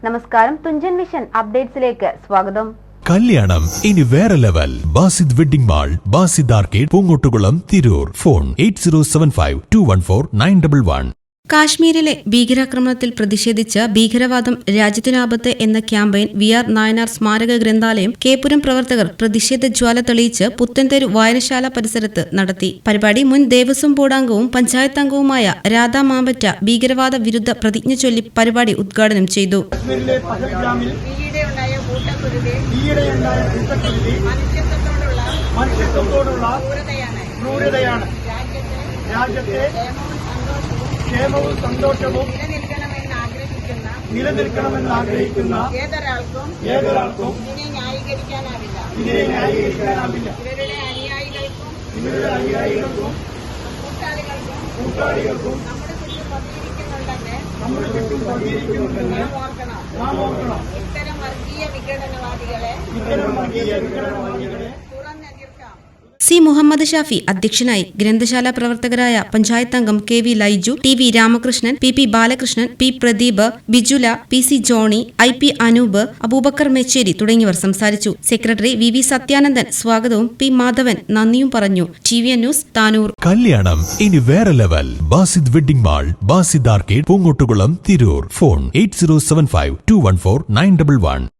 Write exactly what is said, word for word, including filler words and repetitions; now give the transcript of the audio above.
നമസ്കാരം, തുഞ്ചൻ വിഷൻ അപ്ഡേറ്റ്സിലേക്ക് സ്വാഗതം. കല്യാണം ഇനി വേറെ level. Basid wedding mall, Basid arcade, Poongottukulam, Tirur. Phone eight zero seven five two one four nine double one. കാശ്മീരിലെ ഭീകരാക്രമണത്തിൽ പ്രതിഷേധിച്ച് ഭീകരവാദം രാജ്യത്തിനാപത്ത് എന്ന ക്യാമ്പയിൻ വി ആർ നായനാർ സ്മാരക ഗ്രന്ഥാലയം കേപ്പുരം പ്രവർത്തകർ പ്രതിഷേധ ജ്വാല തെളിയിച്ച് പുത്തൻതെരു വായനശാല പരിസരത്ത് നടത്തി. പരിപാടി മുൻ ദേവസ്വം ബോർഡ് അംഗവും പഞ്ചായത്ത് അംഗവുമായ രാധാ മാമ്പറ്റ ഭീകരവാദ വിരുദ്ധ പ്രതിജ്ഞ ചൊല്ലി പരിപാടി ഉദ്ഘാടനം ചെയ്തു. ക്ഷേമവും സന്തോഷവും നിലനിൽക്കണമെന്ന് ആഗ്രഹിക്കുന്ന ഏതൊരാൾക്കും ഏതൊരാൾക്കും ഇതിനെ ന്യായീകരിക്കാനാവില്ല ഇതിനെ ന്യായീകരിക്കാനാവില്ല ഇവരുടെ അനുയായികൾക്കും ഇവരുടെ അനുയായികൾക്കും കൂട്ടാളികൾക്കും കൂട്ടാളികൾക്കും നമ്മുടെ ചുറ്റും പതിയിരിക്കുന്നുണ്ടെന്ന് നമ്മുടെ ചുറ്റും പതിയിരിക്കുന്നുണ്ടെന്ന് നാം ഓർക്കണം നാം ഓർക്കണം ഇത്തരം വർഗീയ വിഘടനവാദികളെ ഇത്തരം വർഗീയ വിഘടനവാദികളെ തുറന്നെതിർക്കാം. സി മുഹമ്മദ് ഷാഫി അധ്യക്ഷനായി. ഗ്രന്ഥശാല പ്രവർത്തകരായ പഞ്ചായത്ത് അംഗം K V Laiju, T V Ramakrishnan, P P Balakrishnan, P Pradeep, Bijula, P C Johny, I P Anoop, Abubakar Mecheri തുടങ്ങിയവർ സംസാരിച്ചു. സെക്രട്ടറി വി വി സത്യാനന്ദൻ സ്വാഗതവും പി മാധവൻ നന്ദിയും പറഞ്ഞു. T V news, Tanur. കല്യാണം ഇനി വേറെ level. Basid wedding mall, Basid arcade, Poongottukulam, Tirur. Phone eight zero seven five two one four nine double one.